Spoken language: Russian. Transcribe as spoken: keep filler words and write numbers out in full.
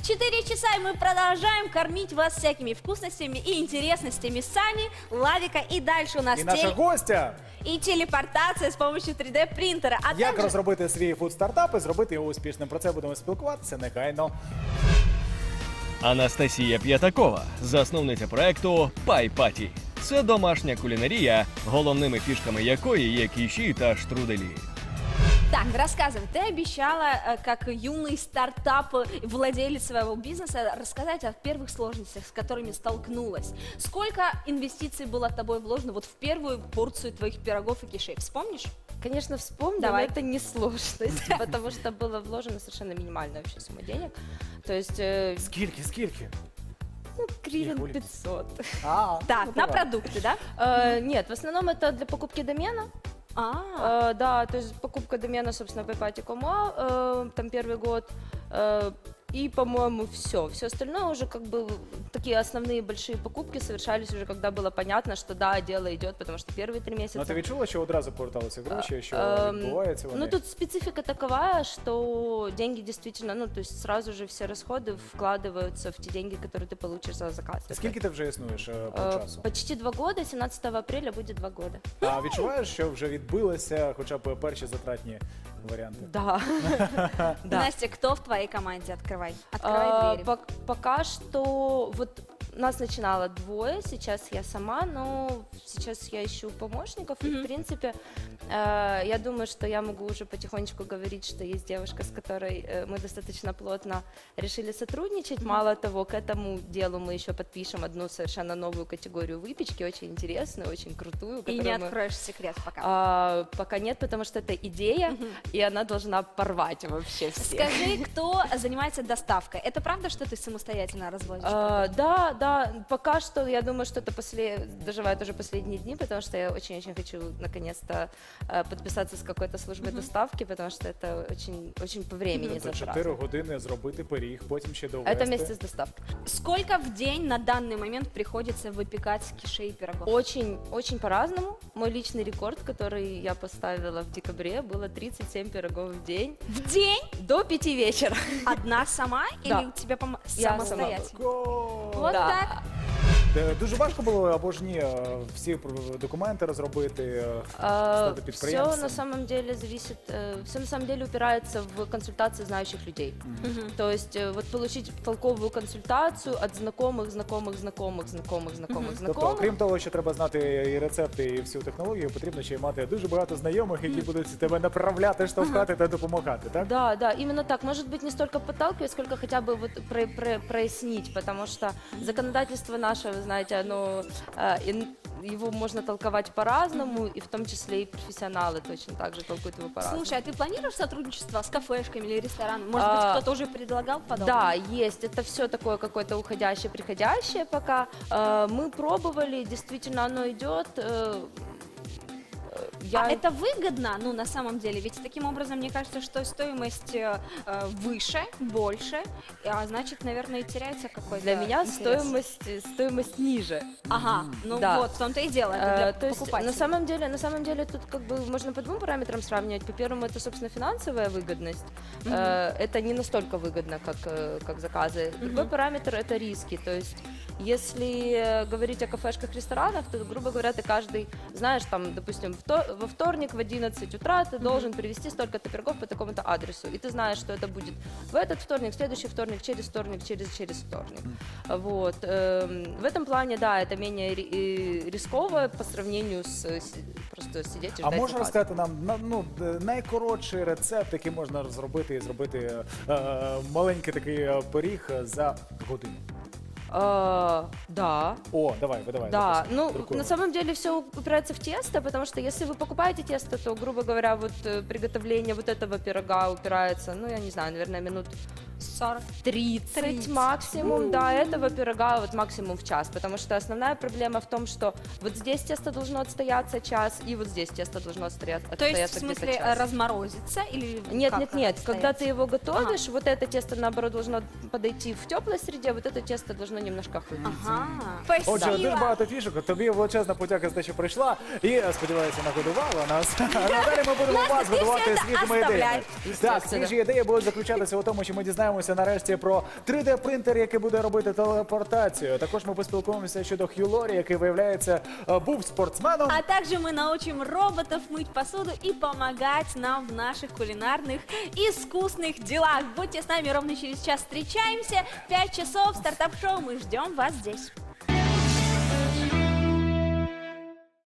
четыре часа, и мы продолжаем кормить вас всякими вкусностями и интересностями Сани, Лавика. И дальше у нас І наша теле- гостя, и телепортация с помощью три дэ принтера. А як также... розробити свій фуд-стартап і зробити його успішним. Про це будемо спілкуватися негайно. Анастасія П'ятакова, засновниця проекту Пай-Паті. Це домашня кулінарія, головними фішками якої є кіші та штруделі. Так, рассказывай. Ты обещала, э, как юный стартап, э, владелец своего бизнеса, рассказать о первых сложностях, с которыми столкнулась. Сколько инвестиций было тобой вложено вот в первую порцию твоих пирогов и кишей? Вспомнишь? Конечно, вспомню, Давай. но это не сложность, потому что было вложено совершенно минимальная вообще сумма денег. То есть, э, Скільки, скільки? ну, гривен Хули. пятьсот. А, Так, ну, на давай. продукты, да? Э, Нет, в основном это для покупки домена. А, Э, Да, то есть покупка домена, собственно, paypati точка com, э, там первый год. Э, И, по-моему, все. Все остальное уже как бы такие основные большие покупки совершались уже, когда было понятно, что да, дело идет, потому что первые три месяца... Ну ти відчула, що одразу поверталися гроші, що Эм, відбувається вони? Ну, тут специфика такова, что деньги действительно, ну, то есть сразу же все расходы вкладываются в те деньги, которые ты получишь за заказ. Скільки ти вже існуєш е, по Э, часу? Почти два года, семнадцатого апреля будет два года. А відчуваєш, що вже відбилися хоча б перші затратні варіанти? Да. Да. Настя, кто в твоей команде? Открывай. Открывай А, двери. пок- Пока что вот нас начинало двое, сейчас я сама, но сейчас я ищу помощников. И, Мгм. в принципе, э, я думаю, что я могу уже потихонечку говорить, что есть девушка, с которой э, мы достаточно плотно решили сотрудничать. Мало того, к этому делу мы еще подпишем одну совершенно новую категорию выпечки, очень интересную, очень крутую. И которую не мы- откроешь секрет пока. А, пока нет, потому что это идея, и она должна порвать вообще всех. Скажи, кто занимается доставкой? Это правда, что ты самостоятельно развозишь? А, да, да, пока что я думаю, что это после, доживают уже последние дни, потому что я очень-очень хочу наконец-то э, подписаться с какой-то службой доставки, потому что это очень, очень по времени Тобто затратно. чотири години зробити пиріг, потім ще довести. Это вместе с доставкой. Сколько в день на данный момент приходится выпекать кишей и пирогов? Очень, очень по-разному. Мой личный рекорд, который я поставила в декабре, было тридцать семь пирогов в день В день? до пяти вечера. Одна сама или Да. у тебя пом- Я самостоятельно? Го! Вот Да. так. Е, Дуже важко було або ж ні е, всі пр- документи розробити, е, стати Все підприємцем. на самом деле зависит, все на самом деле упирается в консультации знающих людей. Мгм. То есть э, вот получить толковую консультацию от знакомых, знакомых, знакомых, знакомых, знакомых, Тобто, знакомых. окрім того, що треба знати і рецепти, і всю технологію, потрібно ще й мати дуже багато знайомих, які будуть тебе направляти, штовхати та допомагати, так? Да, да, именно так. Может быть, не столько подталкивать, сколько хотя бы вот про- про- прояснить, потому что законодательство наше, вы знаете, оно, э, ин- его можно толковать по-разному, и в том числе и профессионалы точно так же толкуют его по-разному. Слушай, а ты планируешь сотрудничество с кафешками или ресторанами? Может быть, А, кто-то уже предлагал подобное? Да, есть. Это все такое какое-то уходящее, приходящее пока. Э, Мы пробовали, действительно оно идет. э, э, Я... А это выгодно, ну, на самом деле? Ведь таким образом, мне кажется, что стоимость э, э, выше, больше, а значит, наверное, и теряется какой-то Для меня интерес. стоимость, стоимость ниже. Ага, ну Да. вот, в том-то и дело, это Э, для То есть покупателей. на самом деле, на самом деле тут как бы можно по двум параметрам сравнивать. По первому это, собственно, финансовая выгодность. Мгм. Э, Это не настолько выгодно, как, э, как заказы. Другой Мгм. параметр это риски. То есть если э, говорить о кафешках, ресторанах, то, грубо говоря, ты каждый, знаешь, там, допустим, вто- во вторник в одиннадцать утра ты должен привезти столько-то пирогов по такому-то адресу. И ты знаешь, что это будет в этот вторник, в следующий вторник, через вторник, через, через вторник. Вот. эм, В этом плане, да, это менее ри- э, рисково по сравнению с э, си- просто сидеть и А ждать можеш заказа. розказати нам на- ну, д- найкоротший рецепт, який можна розробити і зробити е, маленький такий е, пиріг за годину? А, да. О, давай, видавай. Да, записуй. ну Друкуємо. на самом деле все упирается в тесто, потому что если вы покупаете тесто, то, грубо говоря, вот э, приготовление вот этого пирога упирается, ну я не знаю, наверное, минут сорок. тридцать тридцать. максимум, да, этого пирога вот максимум в час, потому что основная проблема в том, что вот здесь тесто должно отстояться час, и вот здесь тесто должно отстоя- То есть, в отстояться где-то смысле, час. разморозится или Нет, как нет, нет. Когда отстоять? ты его готовишь, вот это тесто, наоборот, должно подойти в теплой среде, вот это тесто должно немножко охладиться. Ага, Отже, спасибо. дуже багато фішок. Тобі величезна подяка за те, що прийшла. І, е, сподіваюся, нагодувала нас. А надалі ми будемо Настя, вас ти годувати все це свіжими ідеями. оставляй. Так, свіжі ідеї будуть заключатися у тому, що ми дізнаємося, дізнаємося нарешті про три де принтер, який буде робити телепортацію. Також ми поспілкуємося щодо Хью Лорі, який, виявляється, е, був спортсменом. А также мы научим роботов мыть посуду и помогать нам в наших кулинарных и искусных делах. Будьте с нами ровно через час. Встречаемся. Пять часов. Стартап-шоу. Мы ждем вас здесь.